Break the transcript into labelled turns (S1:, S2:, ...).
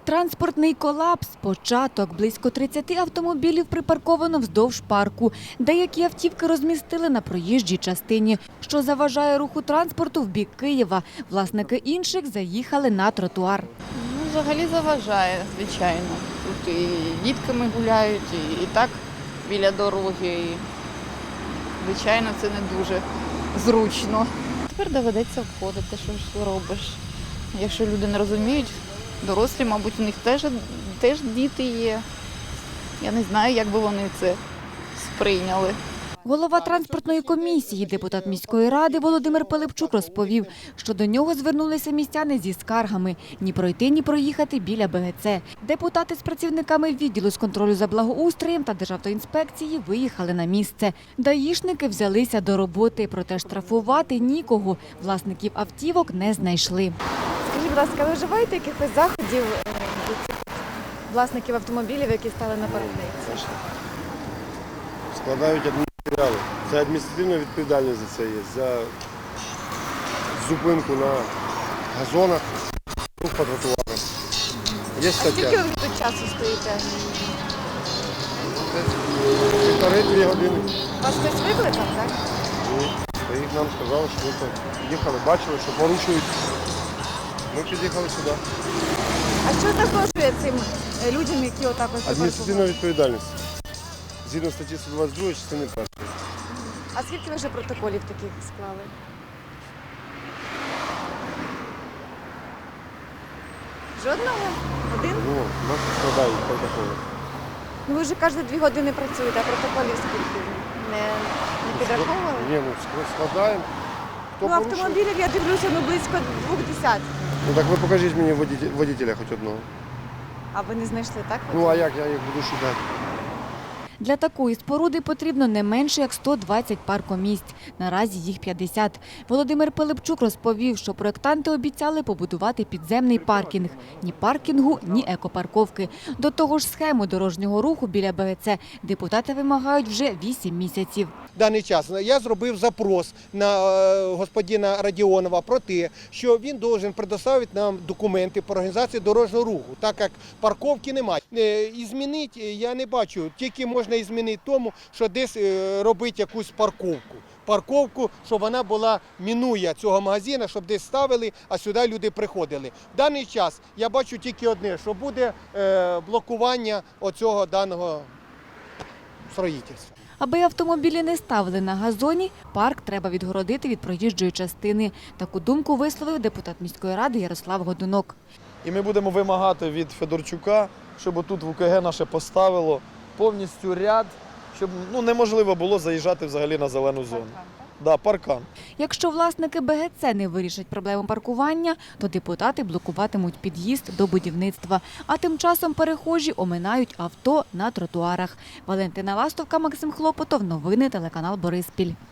S1: Транспортний колапс – початок. Близько 30 автомобілів припарковано вздовж парку. Деякі автівки розмістили на проїжджій частині, що заважає руху транспорту в бік Києва. Власники інших заїхали на тротуар.
S2: Взагалі заважає, звичайно. Тут і дітками гуляють, і так біля дороги. І, звичайно, це не дуже зручно. Тепер доведеться обходити, що ж робиш. Якщо люди не розуміють, дорослі, мабуть, у них теж діти є. Я не знаю, як би вони це сприйняли.
S1: Голова транспортної комісії, депутат міської ради Володимир Пилипчук розповів, що до нього звернулися містяни зі скаргами – ні пройти, ні проїхати біля БГЦ. Депутати з працівниками відділу з контролю за благоустроєм та Державтоінспекції виїхали на місце. Даїшники взялися до роботи, проте штрафувати нікого. Власників автівок не знайшли.
S3: Скажіть, будь ласка, ви вживаєте якихось заходів до цих власників автомобілів, які стали на парковці?
S4: Складають адмінматеріали. Це адміністративна відповідальність за це є. За зупинку на газонах, рух по тротуарах. Є
S3: А скільки
S4: стаття.
S3: ви тут часу стоїте?
S4: 1,5-2 години.
S3: Вас хтось викликав, так?
S4: Ні. Та їх нам сказали, що ми їхали, бачили, що порушують. Ми під'їхали сюди.
S3: А що загрожує цим людям, які отак ось
S4: Адміністративна
S3: припаркували?
S4: відповідальність. Згідно статті 122 частини 1.
S3: А скільки ви вже протоколів таких склали? Жодного? Один?
S4: Ну, нас складають протоколи.
S3: Ну ви вже кожні 2 години працюєте, а протоколів скільки? Не підраховували?
S4: Ні, ну складаємо. Хто
S3: Ну
S4: порушує?
S3: автомобілів, я дивлюся, близько 20.
S4: Ну так ви покажіть мені водителя хоч одного.
S3: А ви не знайшли, так?
S4: Ну а як я їх буду шукати?
S1: Для такої споруди потрібно не менше як 120 паркомісць. Наразі їх 50. Володимир Пилипчук розповів, що проєктанти обіцяли побудувати підземний паркінг. Ні паркінгу, ні екопарковки. До того ж схему дорожнього руху біля БГЦ депутати вимагають вже 8 місяців.
S5: В даний час я зробив запрос на господина Радіонова про те, що він повинен предоставити нам документи по організації дорожнього руху, так як парковки немає. І змінити я не бачу, тільки можна і змінити тому, що десь робити якусь парковку. Парковку, щоб вона була, мінує цього магазину, щоб десь ставили, а сюди люди приходили. В даний час я бачу тільки одне, що буде блокування оцього даного строїтельства.
S1: Аби автомобілі не ставили на газоні, парк треба відгородити від проїжджої частини. Таку думку висловив депутат міської ради Ярослав Годунок.
S6: І ми будемо вимагати від Федорчука, щоб тут в УКГ наше поставило повністю ряд, щоб неможливо було заїжджати взагалі на зелену зону. Да, паркан.
S1: Якщо власники БГЦ не вирішать проблему паркування, то депутати блокуватимуть під'їзд до будівництва. А тим часом перехожі оминають авто на тротуарах. Валентина Ластовка, Максим Хлопотов. Новини телеканал Бориспіль.